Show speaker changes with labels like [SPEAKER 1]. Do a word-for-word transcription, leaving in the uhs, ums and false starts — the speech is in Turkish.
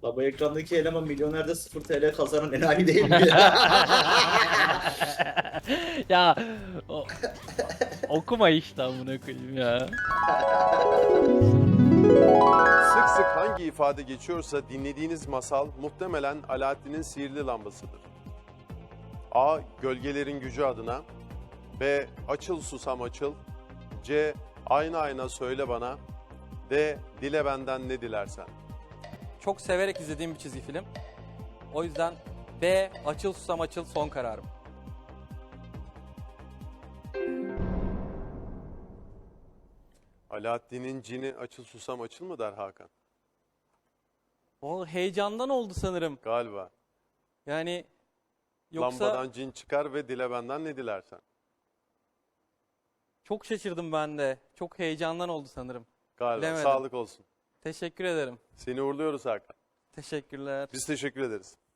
[SPEAKER 1] La bu ekrandaki eleman milyonerde sıfır T L kazanan enayi değil mi ya?
[SPEAKER 2] Ya o- okuma işte amına koyayım ya.
[SPEAKER 3] Sık sık hangi ifade geçiyorsa dinlediğiniz masal muhtemelen Alaaddin'in sihirli lambasıdır. A. Gölgelerin gücü adına. B. Açıl susam açıl. C. Ayna ayna söyle bana. D. Dile benden ne dilersen.
[SPEAKER 4] Çok severek izlediğim bir çizgi film. O yüzden B. Açıl susam açıl son kararım.
[SPEAKER 3] Alaaddin'in cini açıl susam açıl mı der Hakan?
[SPEAKER 4] O heyecandan oldu sanırım.
[SPEAKER 3] Galiba.
[SPEAKER 4] Yani yoksa
[SPEAKER 3] Lambadan cin çıkar ve dile benden ne dilersen.
[SPEAKER 4] çok şaşırdım ben de. Çok heyecandan oldu sanırım.
[SPEAKER 3] Galiba.
[SPEAKER 4] Bilemedim.
[SPEAKER 3] Sağlık olsun.
[SPEAKER 4] Teşekkür ederim.
[SPEAKER 3] Seni uğurluyoruz Hakan.
[SPEAKER 4] Teşekkürler.
[SPEAKER 3] Biz teşekkür ederiz.